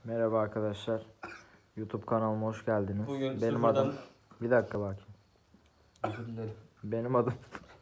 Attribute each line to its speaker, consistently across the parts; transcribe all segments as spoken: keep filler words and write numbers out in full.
Speaker 1: Merhaba arkadaşlar. YouTube kanalıma hoş geldiniz.
Speaker 2: Bugün
Speaker 1: Benim
Speaker 2: sıfırdan...
Speaker 1: adım... Bir dakika bakayım.
Speaker 2: Özür dilerim.
Speaker 1: Benim adım...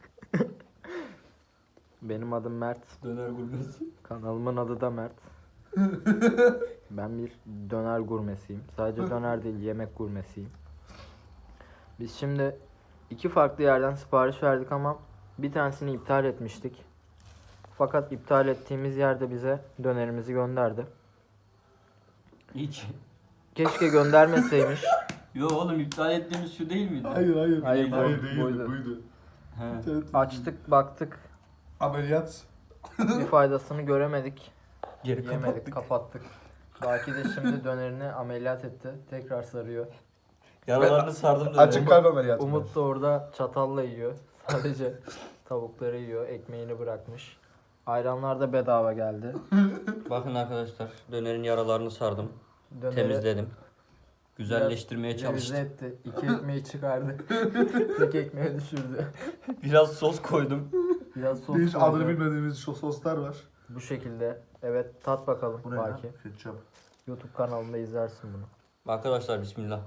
Speaker 1: Benim adım Mert.
Speaker 2: Döner gurmesi.
Speaker 1: Kanalımın adı da Mert. Ben bir döner gurmesiyim. Sadece döner değil, yemek gurmesiyim. Biz şimdi iki farklı yerden sipariş verdik ama bir tanesini iptal etmiştik. Fakat iptal ettiğimiz yerde bize dönerimizi gönderdi.
Speaker 2: Hiç.
Speaker 1: Keşke göndermeseymiş.
Speaker 2: Yo oğlum iptal ettiğimiz şu değil miydi?
Speaker 3: Hayır hayır.
Speaker 1: Hayır,
Speaker 3: Hayır,
Speaker 1: bu-
Speaker 3: değildi,
Speaker 1: buydu.
Speaker 3: buydu.
Speaker 2: He.
Speaker 3: Evet.
Speaker 1: Açtık, baktık.
Speaker 3: Ameliyat.
Speaker 1: Bir faydasını göremedik.
Speaker 2: Geri
Speaker 1: Yemedik,
Speaker 2: kapattık.
Speaker 1: kapattık. Baki de şimdi dönerini ameliyat etti. Tekrar sarıyor.
Speaker 2: Yaralarını sardım döneri.
Speaker 3: Açık kalp ameliyatı.
Speaker 1: Umut da orada çatalla yiyor. Sadece tavukları yiyor. Ekmeğini bırakmış. Ayranlar da bedava geldi.
Speaker 2: Bakın arkadaşlar dönerin yaralarını sardım.
Speaker 1: Döneri
Speaker 2: Temizledim. Güzelleştirmeye
Speaker 1: biraz
Speaker 2: çalıştım.
Speaker 1: revize etti. İki ekmeği çıkardı. Tek ekmeği düşürdü.
Speaker 2: Biraz sos koydum.
Speaker 1: Biraz sos
Speaker 3: Hiç
Speaker 1: koydu.
Speaker 3: adını bilmediğimiz şu soslar var.
Speaker 1: Bu şekilde. Evet, tat bakalım
Speaker 3: Bu ne lan?
Speaker 1: Baki.
Speaker 3: Ketçap.
Speaker 1: YouTube kanalında izlersin bunu.
Speaker 2: Arkadaşlar bismillah.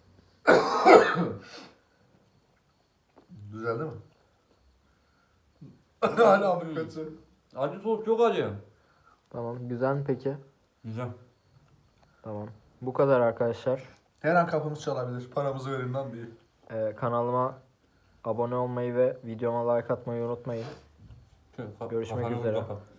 Speaker 3: Güzel değil mi? Hala abi kötü.
Speaker 2: Acı sos çok acı.
Speaker 1: Tamam. Güzel mi peki?
Speaker 2: Güzel.
Speaker 1: Tamam. Bu kadar arkadaşlar.
Speaker 3: Her an kapımız çalabilir. Paramızı verin lan diye.
Speaker 1: Ee, kanalıma abone olmayı ve videoma like atmayı unutmayın.
Speaker 2: Şöyle, ka-
Speaker 1: Görüşmek
Speaker 2: kafanı
Speaker 1: üzere.
Speaker 2: kapat.